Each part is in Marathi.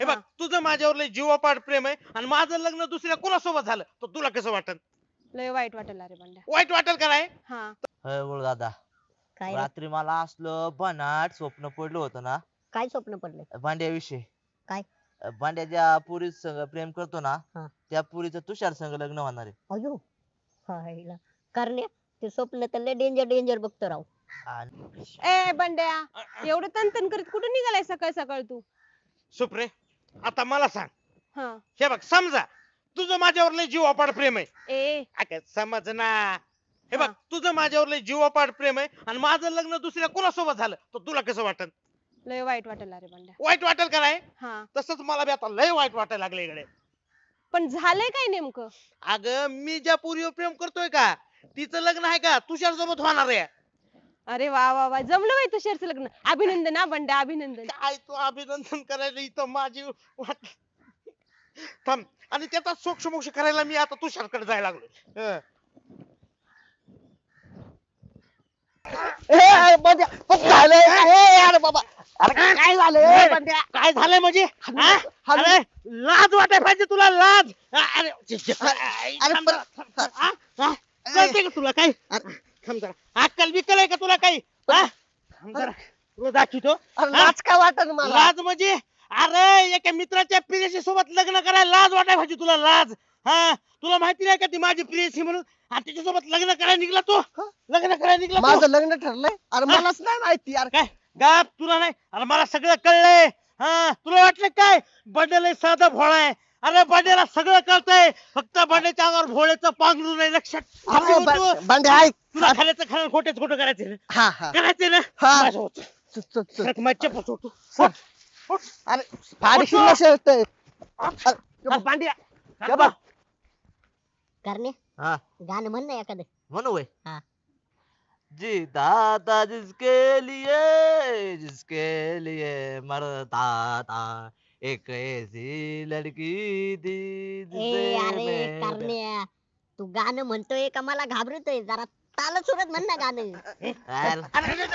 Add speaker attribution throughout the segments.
Speaker 1: हे बघ तुझं माझ्यावर लय जीवापाड प्रेम आहे आणि माझं लग्न दुसऱ्या कोणासोबत झालं तर तुला कसं वाटत?
Speaker 2: लय वाईट वाटेल अरे बंड्या.
Speaker 1: वाईट वाटेल का नाही?
Speaker 2: हा.
Speaker 3: होय बोल दादा.
Speaker 4: काय रे?
Speaker 3: रात्री मला असलं बनाट स्वप्न पडलं होतं ना
Speaker 4: काय स्वप्न पडले?
Speaker 3: भांड्याविषयी.
Speaker 4: काय?
Speaker 3: भांड्या ज्या पुरी संग प्रेम करतो ना
Speaker 4: हा.
Speaker 3: त्या पुरीचं तुषार संग लग्न होणार आहे.
Speaker 4: अयो हायला करण्या ते स्वप्न तर लय डेंजर डेंजर बघतो राव.
Speaker 3: आणि
Speaker 2: ए बंड्या, एवढं तनतन करीत कुठं निघालाय सकाळ सकाळ तू?
Speaker 1: सुप्रे आता मला सांग,
Speaker 2: हा.
Speaker 1: हे बघ समजा तुझं माझ्यावर लय जीवापाड प्रेम आहे.
Speaker 2: ए
Speaker 1: अगं समज ना. हे बघ
Speaker 2: हा.
Speaker 1: तुझं माझ्यावर लय जीवापाड प्रेम आहे आणि माझं लग्न दुसऱ्या कोणासोबत झालं तर तुला कसं वाटत?
Speaker 2: लय वाईट वाटेल अरे बंड्या.
Speaker 1: वाईट वाटेल का नाही?
Speaker 2: हा.
Speaker 1: तसंच मला बी आता लय वाईट वाटायला लागले इकडे.
Speaker 2: पण झालंय काय नेमकं?
Speaker 1: अगं मी ज्या पुरीवर प्रेम करतोय का तिचं लग्न आहे का तुषार सोबत होणार आहे.
Speaker 2: अरे वा वा वा, जमलं बाई तुषारचं लग्न. अभिनंदन हा बंड्या, अभिनंदन.
Speaker 1: काय तू अभिनंदन करायला इथं माझी वाट थांब आणि त्याचा सोक्ष करायला मी आता तुषारकडे जायला लागलो.
Speaker 4: अरे बाबा अरे काय झालं बंड्या?
Speaker 1: काय झालंय म्हणजे हा? अरे लाज वाटाय पाहिजे तुला लाज. अरे थांब जरा, थांब. हा? हा? कळतंय का तुला काय? थांब जरा. अक्कल बिक्कल आहे का तुला काही? हा? थांब जरा. तुला दाखवतो.
Speaker 4: अरे
Speaker 1: हा?
Speaker 4: लाज का वाटत मला?
Speaker 1: लाज म्हणजे अरे एका मित्राच्या प्रियसी सोबत लग्न करायला लाज वाटाय पाहिजे तुला लाज. हा तुला माहिती नाही का ती माझी प्रियसी म्हणून आणि तिच्यासोबत लग्न करायला निघला तू. लग्न करायला निघला तू.
Speaker 4: माझं लग्न ठरलंय अरे मलाच नाही माहिती यार.
Speaker 1: काय गाप तुला नाही अरे मला सगळं कळलंय. हा तुला वाटलं काय बड्डेला साधा भोळा आहे. अरे बड्डेला सगळं कळतंय फक्त बड्डेच्या अंगावर भोळ्याचं पांघरून नाही लक्षात.
Speaker 4: अरे बंड्या ऐक.
Speaker 1: तुला खाण्याचं खाणं खोटेच खोटं करायचं ना
Speaker 4: हा हा
Speaker 1: करायचं ना
Speaker 4: हा.
Speaker 1: माझ्यावर.
Speaker 4: चल, चल, चल.
Speaker 1: सरक माझ्या चप्पल सोड तू. सोड. सोड.
Speaker 4: अरे फाडशील ना शर्ट.
Speaker 1: पांड्या
Speaker 4: हे बघ. करणे
Speaker 3: हा
Speaker 4: गाणं म्हण ना एखादं.
Speaker 3: म्हणू होय.
Speaker 4: हा.
Speaker 3: जीता था जिसके लिए मरता था एक ऐसी लड़की थी
Speaker 4: ए अरे
Speaker 3: मैं
Speaker 4: करण्या तू गाणं म्हणतोय का मला घाबरतोय जरा ताल सुरत म्हण ना गाणं.
Speaker 3: अरे,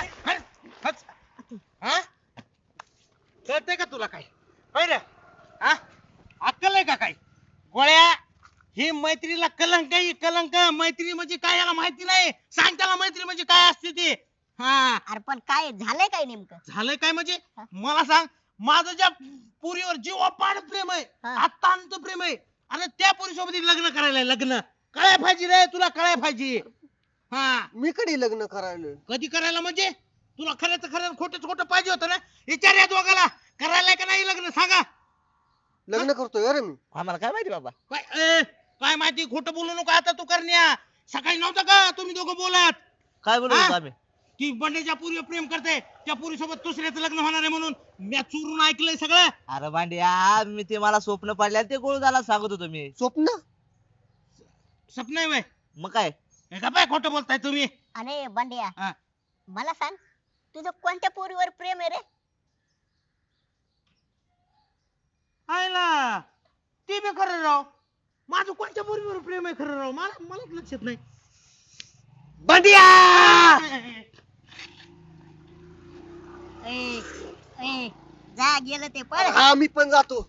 Speaker 1: हा कळतंय का तुला काय? होय रे हा अक्कल आहे का काय? गोळ्या ही मैत्रीला कलंक आहे कलंक. मैत्री म्हणजे काय याला माहिती नाही. सांग त्याला मैत्री म्हणजे काय असते ती. हा
Speaker 4: अरे पण काय झालंय काय नेमकं?
Speaker 1: झालंय काय म्हणजे मला सांग माझं ज्या पुरीवर जीवापाड प्रेम आहे
Speaker 4: हा.
Speaker 1: अत्यंत प्रेम आहे आणि त्या पुरीसोबत लग्न करायला लग्न कळाय पाहिजे रे तुला कळाय पाहिजे. हा
Speaker 5: मी कधी लग्न करायला?
Speaker 1: कधी करायला म्हणजे तुला खऱ्याचं खरं खोटंच खोटं पाहिजे होतं ना. विचार या दोघाला करायला का नाही लग्न सांगा.
Speaker 5: लग्न करतोय अरे मी.
Speaker 3: आम्हाला काय माहिती बाबा.
Speaker 1: काय माहिती खोटं बोलू नको आता तू करण्या. सकाळी नव्हतं का तुम्ही दोघं बोलत
Speaker 3: काय बोलू
Speaker 1: हा?
Speaker 3: आम्ही.
Speaker 1: की बंडेच्या पुरीवर प्रेम करते त्या पुरीसोबत दुसऱ्याचं लग्न होणार आहे म्हणून मी चोरून ऐकलंय सगळं.
Speaker 3: अरे भांड्या मी ते मला स्वप्न पडल्या ते गोळ झाला सांगत होतो मी.
Speaker 5: स्वप्न?
Speaker 1: स्वप्न आहे व्हय?
Speaker 3: मग काय
Speaker 1: हे का काय खोटं बोलताय तुम्ही?
Speaker 4: अरे बंड्या
Speaker 1: हा.
Speaker 4: मला सांग तुझं कोणत्या पोरीवर प्रेम आहे रे?
Speaker 1: आयला ते बी खरं राव. माझं कोणत्या पोरीवर प्रेम आहे खरं राव मलाच लक्षात नाही.
Speaker 5: बंडिया
Speaker 4: ए ए जा गेलं ते पळ.
Speaker 5: हा मी पण जातो.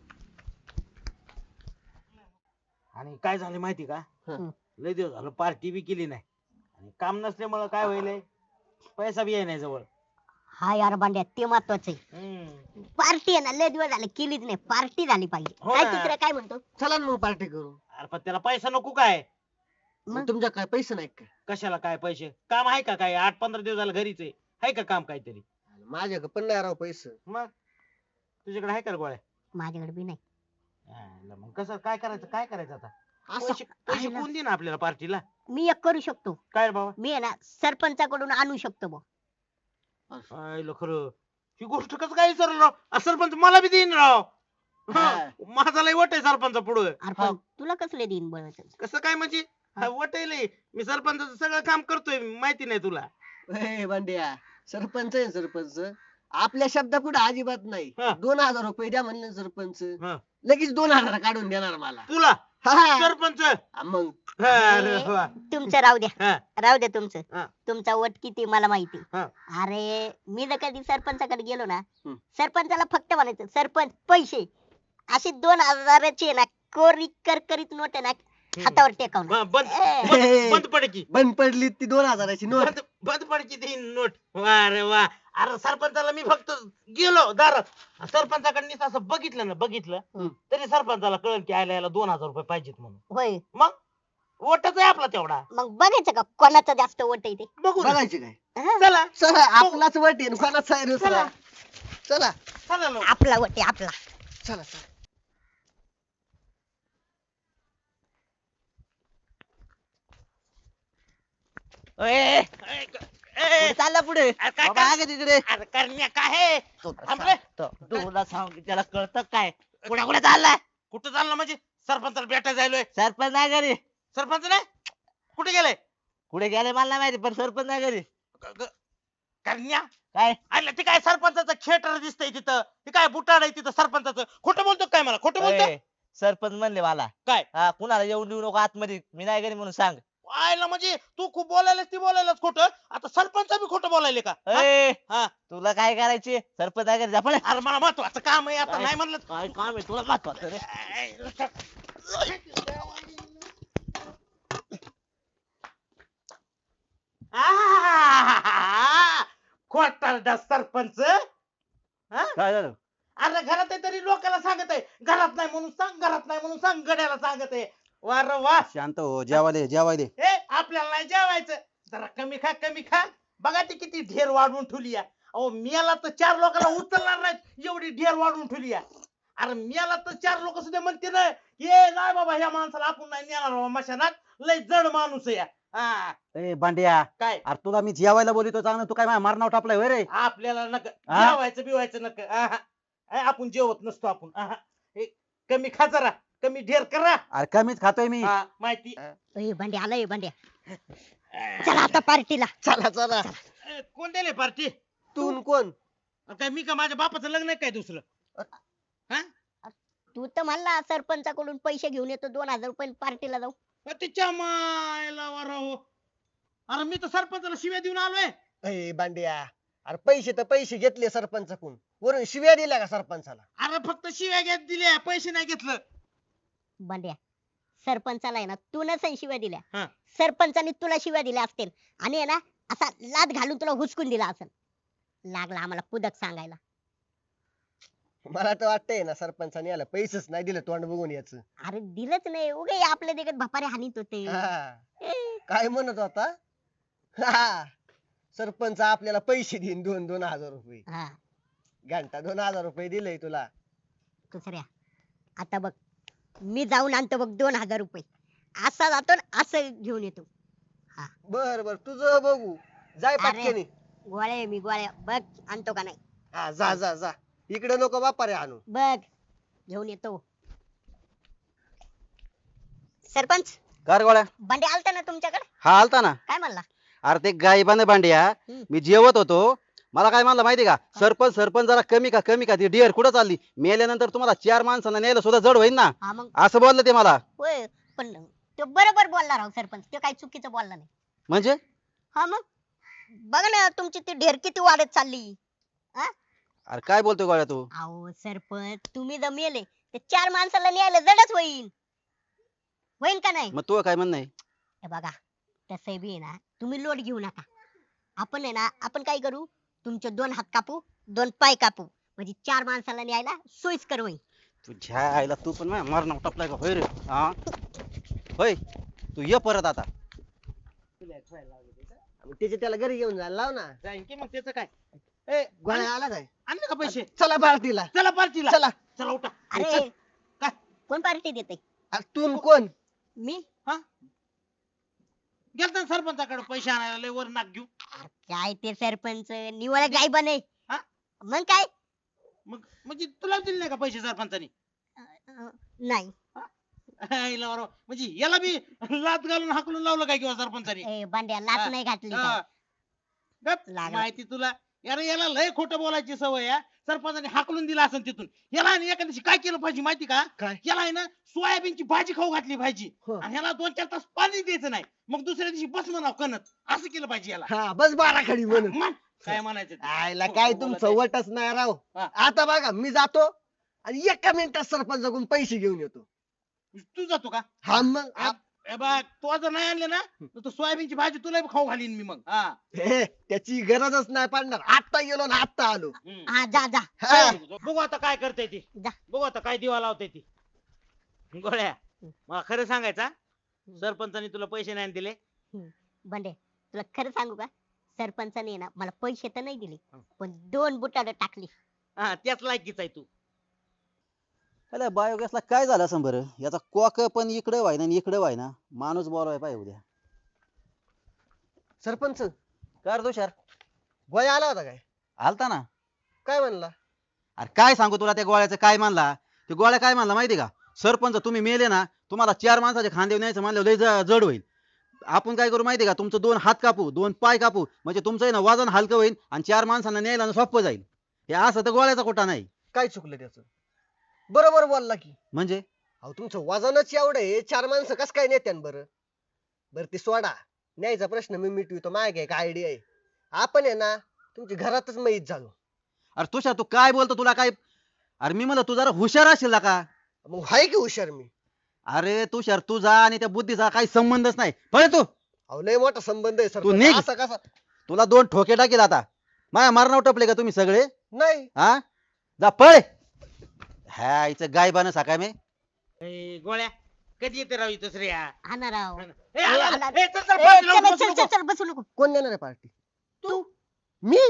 Speaker 1: आणि काय झालं माहिती का
Speaker 5: हं.
Speaker 1: लय दिवस झालं पार्टी बी केली नाही आणि काम नसल्यामुळं काय व्हायलंय पैसा बी आहे नाही जवळ.
Speaker 4: हा यार बंड्या ते महत्वाचं आहे. पार्टी आहे ना लय दिवस झाले केलीच नाही. पार्टी झाली पाहिजे.
Speaker 1: हो
Speaker 4: काय
Speaker 1: ना.
Speaker 4: तिकडे काय म्हणतो?
Speaker 5: चला ना मग पार्टी करू.
Speaker 1: अरे पण त्याला पैसा नको काय?
Speaker 4: मग?
Speaker 5: तुमच्या काय पैसे नाही काय?
Speaker 1: कशाला काय पैसे काम आहे का काय 8-15 दिवस झालं घरीच आहे का काम काहीतरी?
Speaker 5: माझ्याकडे पण नाही राव पैसे.
Speaker 1: मग तुझ्याकडे आहे का रे गोळ्या?
Speaker 4: माझ्याकडे बी नाही.
Speaker 1: मग कसं काय करायचं आता?
Speaker 5: असं
Speaker 1: पैसे
Speaker 4: आहे ना.
Speaker 1: कोण देणार आपल्याला पार्टीला?
Speaker 4: मी एक करू शकतो.
Speaker 1: काय रे बाबा?
Speaker 4: मी आहे ना सरपंचाकडून आणू शकतो बुवा.
Speaker 1: आयलं खरं ही गोष्ट कसं काय विचारलं राव? सरपंच मला बी देईन राव.
Speaker 5: हा.
Speaker 1: माझा लय वट आहे सरपंच पुढे.
Speaker 4: अरे पण तुला कसले देईन बळ?
Speaker 1: कसं काय म्हणजे वट आहे लय. मी सरपंचाचं सगळं काम करतोय माहिती नाही तुला.
Speaker 5: ए बंड्या सरपंच आहे सरपंच. आपल्या शब्दा पुढे अजिबात नाही.
Speaker 1: हा.
Speaker 5: 2000 रुपये द्या म्हणलं सरपंच
Speaker 1: हा.
Speaker 5: लगेच 2000 काढून देणार मला.
Speaker 1: तुला
Speaker 5: हा.
Speaker 1: सरपंच
Speaker 5: मग
Speaker 1: अरे वा.
Speaker 4: तुमचं राहू द्या.
Speaker 1: हा.
Speaker 4: राहू द्या तुमचं.
Speaker 1: हा.
Speaker 4: तुमचा वट किती मला माहिती.
Speaker 1: हा.
Speaker 4: अरे मी जर कधी सरपंचाकडे गेलो ना
Speaker 5: हम्म.
Speaker 4: सरपंचाला फक्त म्हणायचं सरपंच पैसे अशी 2000ची आहे ना कोरी करकरीत नोट आहे ना हातावर टेकवणार
Speaker 1: बंद
Speaker 4: ए.
Speaker 1: बंद बंद पडकी
Speaker 5: बंद पडली ती 2000ची नोट.
Speaker 1: बंद बंद पडकी ती नोट. वा रे वा. अरे सरपंचाला मी फक्त गेलो दारात सरपंचाकडे नीट असं बघितलं
Speaker 4: हम्म.
Speaker 1: तरी सरपंचाला कळलं की आयला याला 2000 रुपये पाहिजेत म्हणून.
Speaker 4: होय
Speaker 1: मग वोटच आहे आपला तेवढा.
Speaker 4: मग बघायचं का कोणाचं जास्त वोट आहे ते
Speaker 1: बघू ना.
Speaker 5: बघायची काय?
Speaker 4: हा?
Speaker 1: चला
Speaker 5: चला आपलाच वट आहे कोणाचा आहे दुसरा. चला
Speaker 1: चला लवकर.
Speaker 4: आपला वोट आहे आपला
Speaker 5: चला चला.
Speaker 1: ए,
Speaker 3: पुढे चालला पुढे
Speaker 1: अरे काय
Speaker 3: बाबा आगे तिकडे
Speaker 1: अरे करण्या काय आहे? थांब रे.
Speaker 3: तुला सांग की त्याला कळतं काय कुठे कुठे चाललाय
Speaker 1: कुठं चालला म्हणजे सरपंचाला भेटायला जायलोय.
Speaker 3: सरपंच नाही घरी
Speaker 1: सरपंच नाही कुठे गेलाय?
Speaker 3: कुठे गेले मला नाही माहिती पण सरपंच नाही घरी
Speaker 1: करण्या
Speaker 3: काय
Speaker 1: आलं ते काय सरपंचाचं थिएटर दिसतंय तिथं ते काय बुटाड आहे तिथं सरपंचाचं. खोटं बोलतो काय मला खोटं बोलतो?
Speaker 3: ए, सरपंच म्हणले मला
Speaker 1: काय?
Speaker 3: हा कुणाला येऊन देऊ नको आतमध्ये मी नाही घरी म्हणून सांग
Speaker 1: आयला म्हणजे तू खूप बोलायलास ती बोलायलाच खोटं. आता सरपंच बी खोटं बोलायले का? हा?
Speaker 3: ए,
Speaker 1: हा.
Speaker 3: तुला काय करायचे सरपंच नाही घरी जा पळ.
Speaker 1: अरे मला महत्वाचं काम आहे आता
Speaker 3: काय?
Speaker 1: नाही म्हणलं.
Speaker 3: काय काम आहे तुला महत्वाचं रे
Speaker 1: खोटारडा सरपंच. हा?
Speaker 3: काय झालं
Speaker 1: अरे घरात आहे तरी लोकांना सांगत आहे घरात नाही म्हणून सांग घरात नाही म्हणून सांग गड्याला सांगत आहे. वा रे वा.
Speaker 6: शांत हो जेवायला जेवायला
Speaker 1: ए आपल्याला नाही जेवायचं जरा कमी खा. बघा ती किती ढेर वाढवून ठेवली आहे. अहो मियाला तर 4 लोकांना उचलणार नाहीत एवढी ढेर वाढवून ठेवली आहे. अरे मियाला तर 4 लोक सुद्धा म्हणते ना ये नाही बाबा ह्या माणसाला आपण नाही नेणार बाबा मशानात लय जड माणूस आहे. हा
Speaker 6: ए बांड्या
Speaker 1: काय
Speaker 6: अरे तुला मी जेवायला बोलितो चांगलं तू काय माझ्या मारणाव टापलाय होय रे
Speaker 1: आपल्याला नक
Speaker 6: हा?
Speaker 1: जेवायचं बिवायचं नक आपण जेवत नसतो आपण हे कमी खा जरा कमी ढेर करा.
Speaker 6: अरे कमीच खातोय मी
Speaker 1: हा, माहिती.
Speaker 4: ए बंड्या आलाय बंड्या चला आता पार्टीला
Speaker 5: चला चला.
Speaker 1: कोण दिले पार्टी?
Speaker 5: तू न कोण?
Speaker 1: काय मी का माझ्या बापाचं लग्न आहे काय दुसरं? हा
Speaker 4: तू तर म्हणला सरपंचाकडून पैसे घेऊन येतो 2000 रुपये पार्टीला जाऊ
Speaker 1: तिच्या मायला वर हो. अरे मी तर सरपंचाला शिव्या देऊन आलोय.
Speaker 5: ए बांड्या अरे पैसे तर पैसे घेतले सरपंचाकडून वरून शिव्या दिल्या का सरपंचाला?
Speaker 1: अरे फक्त शिव्या घेत दिल्या पैसे नाही घेतलं.
Speaker 4: बंड्या सरपंचाला आहे ना तू नसेल शिव्या
Speaker 1: हा.
Speaker 4: दिल्या सरपंचाने तुला शिव्या दिल्या असतील आणि आहे ना असा लाद घालून तुला हुसकून दिला असेल लागला आम्हाला पुदक सांगायला.
Speaker 5: मला तर वाटतंय ना सरपंचाने याला पैसेच नाही दिले तोंड बघून याच.
Speaker 4: अरे दिलंच नाही उगे आपल्या देखत भपारे हानीत होते ए,
Speaker 5: काय म्हणत होता? हा, सरपंच आपल्याला पैसे देईन 2,000 रुपये.
Speaker 4: हा
Speaker 5: घंटा 2,000 रुपये दिले तुला.
Speaker 4: दुसऱ्या आता बघ मी जाऊन आणतो बघ 2000 रुपये असा जातो न असं घेऊन येतो.
Speaker 5: बर बर तुझं बघू जाय
Speaker 4: अरे.
Speaker 5: पटकेनी.
Speaker 4: गोळ्या बघ आणतो का नाही
Speaker 5: हा जा जा जा इकडे नको बापा रे आणू.
Speaker 4: बघ घेऊन येतो. सरपंच
Speaker 6: कर गोळ्या
Speaker 4: बंडे आलता ना तुमच्याकडे
Speaker 6: हा आलता ना
Speaker 4: काय म्हणला?
Speaker 6: अरे ते गायबाने बांड्या
Speaker 4: हम्म.
Speaker 6: मी जेवत होतो मला काय म्हणलं माहिती का सरपंच सरपंच जरा कमी का ती डिअर कुठं चालली मेल्यानंतर तुम्हाला 4 माणसांना न्यायला सुद्धा जड होईल ना
Speaker 4: हा मग
Speaker 6: असं बोललं ते मला
Speaker 4: होय पण तो बरोबर बोलला राव सरपंच तो काही चुकीचं बोलला नाही.
Speaker 6: म्हणजे
Speaker 4: हा मग बघ ना तुमची ती ढेर किती वाढत चालली.
Speaker 6: अरे काय बोलतोय गोळ्या तू
Speaker 4: अहो सरपंच तुम्ही जर मेले ते 4 माणसाला न्यायला जडच होईल होईल का नाही?
Speaker 6: मग तू काय म्हणणं आहे
Speaker 4: हे बघा तसं बी आहे ना तुम्ही लोट घेऊ नका. आपण आहे ना आपण काय करू तुमचे 2 हात कापू 2 पाय कापू म्हणजे 4 माणसाला न्यायला सोयीस्कर होईल.
Speaker 6: तुझ्या आईला तू पण माझ्या मारणाव टापलाय का होय रे हा होय तू ये परत आता
Speaker 5: त्याचे त्याला घरी घेऊन जायला लाव ना.
Speaker 1: जाईन की मग त्याचं काय? ए
Speaker 5: गोळ्या आला काय?
Speaker 1: आणले का पैसे?
Speaker 5: चला पार्टीला
Speaker 1: चला पार्टीला
Speaker 5: चला.
Speaker 1: चला उठा.
Speaker 4: अरे
Speaker 1: काय?
Speaker 4: कोण पार्टी देते?
Speaker 5: अरे तू न कोण?
Speaker 4: मी
Speaker 1: गेलता ना सरपंचाकडे पैसे आणायला लय वर नाक घेऊ.
Speaker 4: काय ते सरपंच निवळ गाय बने
Speaker 1: हा?
Speaker 4: मग काय
Speaker 1: मग म्हणजे तुला दिले नाही का पैसे सरपंचानी?
Speaker 4: नाही
Speaker 1: आईला बरोबर. म्हणजे याला बी लात घालून हाकलून लावलं काय किंवा सरपंचानी?
Speaker 4: ए बांड्या लाच
Speaker 1: हा.
Speaker 4: नाही घातली
Speaker 1: हा.
Speaker 4: काय.
Speaker 1: गप,
Speaker 4: लागला.
Speaker 1: माहिती तुला यार याला लय खोटं बोलायची सवय आहे. सरपंचाने हाकलून दिला असेल तिथून. याला आणि एका दिवशी काय केलं पाहिजे माहिती का?
Speaker 5: काय?
Speaker 1: याला आहे ना सोयाबीनची भाजी खाऊ घातली पाहिजे
Speaker 5: हो.
Speaker 1: आणि ह्याला 2-4 तास पाणी द्यायचं नाही. मग दुसऱ्या दिवशी बस म्हणाव कणत असं केलं पाहिजे याला.
Speaker 5: हा बस बारा खडी म्हणून.
Speaker 1: मग काय म्हणायचं ते?
Speaker 5: आयला काय तुमचं वटच नाही राव.
Speaker 1: हा.
Speaker 5: आता बघा मी जातो आणि एका मिनिटात सरपंचाकडून पैसे घेऊन येतो.
Speaker 1: तू जातो का?
Speaker 5: हा मग
Speaker 1: ए बघ तू जर नाही आणले ना तर सोयाबीनची भाजी तुला बी खाऊ घालीन मी मग. हा
Speaker 5: त्याची गरजच नाही पडणार. आता गेलो ना आता आलो.
Speaker 4: हा जा जा
Speaker 5: हा.
Speaker 1: बघू आता काय करते ती.
Speaker 4: जा.
Speaker 1: बघू आता काय दिवा लावते ती. गोळ्या मला खरं सांगायचा सरपंचानी तुला पैसे नाही दिले.
Speaker 4: बंडे तुला खरं सांगू का सरपंचाने ना मला पैसे तर नाही दिले पण 2 बुटाड टाकली.
Speaker 1: हा त्याच लायकीच आहे तू.
Speaker 6: अरे बायोगॅसला काय झालं असं बरं, याचा कॉक पण इकडे व्हायना आणि इकडे व्हायना. माणूस बोलवाय पाहिजे उद्या.
Speaker 5: सरपंच
Speaker 6: कर तुषार,
Speaker 5: गोळ्या आला होता काय?
Speaker 6: आलता ना.
Speaker 5: काय म्हणला?
Speaker 6: अरे काय सांगू तुला त्या गोळ्याचं काय मानला. ते गोळ्या काय मानला माहिती का, सरपंच तुम्ही मेले ना तुम्हाला 4 माणसाचे खांदे न्यायचं म्हणलं लय जड होईल. आपण काय करू माहिती का, तुमचं 2 हात कापू 2 पाय कापू म्हणजे तुमचं आहे ना वजन हलकं होईल आणि 4 माणसांना न्यायला ना सोपं जाईल. हे असं तर गोळ्याचा कोटा नाही.
Speaker 5: काय चुकलं त्याचं? बरोबर बोलला की.
Speaker 6: म्हणजे
Speaker 5: अहो तुमचं वजनच एवढं आहे 4 माणसं कस काय नेत्यान बरं? बरं ते सोडा, न्यायचा प्रश्न मी मिटवितो. माझ्या काय आयडिया आहे. आपण आहे ना तुमच्या घरातच मैत झालो.
Speaker 6: अरे तुषार तू काय बोलतो, तुला काय. अरे मी म्हणलं तू जरा हुशार असेल का.
Speaker 5: मग हाय की हुशार मी.
Speaker 6: अरे तुषार तुझा आणि त्या बुद्धीचा काही संबंधच नाही. पळ तू.
Speaker 5: अहो लय मोठा संबंध आहे
Speaker 6: तू निघ.
Speaker 5: सरपंच. असा कसा?
Speaker 6: तुला 2 ठोके टाकेल आता. माझ्या मारणावर टपले का तुम्ही सगळे.
Speaker 5: नाही
Speaker 6: हा जा पळ. ह्या इथं गायबानं सकाळ मी.
Speaker 1: ए, गोळ्या कधी येते राव इथं श्रेया.
Speaker 4: हा ना राव.
Speaker 1: ए, आला, आला.
Speaker 4: आला.
Speaker 1: ए, चल, चल,
Speaker 4: ए,
Speaker 1: पाठी लावून
Speaker 4: चल
Speaker 1: बसू
Speaker 4: चल
Speaker 1: नको.
Speaker 4: चल चल बसू नको.
Speaker 5: कोण देणार आहे पार्टी?
Speaker 1: तू
Speaker 5: मी?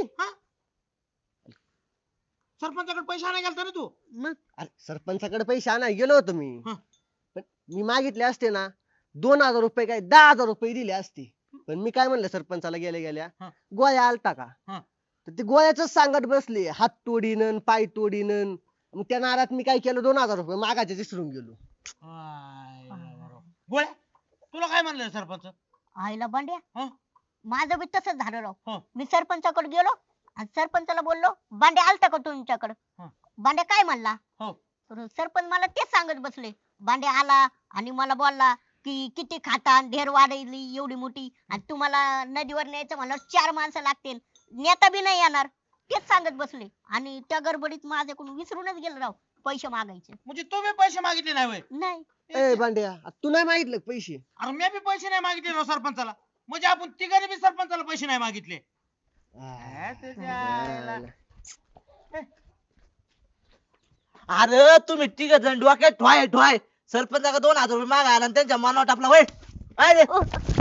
Speaker 1: सरपंचाकडे पैसे आणायला गेलता ना तू.
Speaker 4: मग
Speaker 5: अरे सरपंचाकडे पैसे आणायला गेलो होतो मी.
Speaker 1: हं.
Speaker 5: पण मी मागितले असते ना 2000 रुपये काय 10,000 रुपये दिले असते. पण मी काय म्हणलं सरपंचाला गेल्या गेल्या,
Speaker 1: हं.
Speaker 5: गोळ्या आलता का?
Speaker 1: हं.
Speaker 5: तर ते गोळ्याच सांगत बसले हात तोडीन पाय तोडीन. मग त्या नारात मी काय केलं 2000 रुपये मागायचे विसरून गेलो.
Speaker 1: गोळ्या तुला काय म्हणलं सरपंच.
Speaker 4: आईला बंड्या
Speaker 1: हं?
Speaker 4: माझं बी तसंच झालं राव.
Speaker 1: हं.
Speaker 4: मी सरपंचाकडे गेलो आणि सरपंचाला बोललो बांड्या आलता का तुमच्याकडे.
Speaker 1: हं.
Speaker 4: बांड्या काय म्हणला
Speaker 1: हो.
Speaker 4: तर सरपंच मला तेच सांगत बसले. बांड्या आला आणि मला बोलला की किती खाता ढेर वाढली एवढी मोठी आणि तुम्हाला नदीवर न्यायचं म्हणलं 4 माणसं लागतील नेता बी नाही येणार. तेच सांगत बसले आणि त्या गडबडीत माझ्याकडून विसरूनच गेलं राव पैसे मागायचे.
Speaker 1: म्हणजे तू बी पैसे मागितले नाही होय.
Speaker 4: नाही
Speaker 5: ए बांड्या तू नाही मागितलं का पैसे?
Speaker 1: अरे मी बी पैसे नाही मागितले राव सरपंचाला. म्हणजे आपण तिघांनी बी सरपंचाला पैसे नाही मागितले.
Speaker 3: अरे तुम्ही तिघ जण डोक्यात ठोय ठोय. सरपंचाकडे 2000 रुपये मागा आणि त्यांच्या मनावर टापला. वय
Speaker 4: ओ,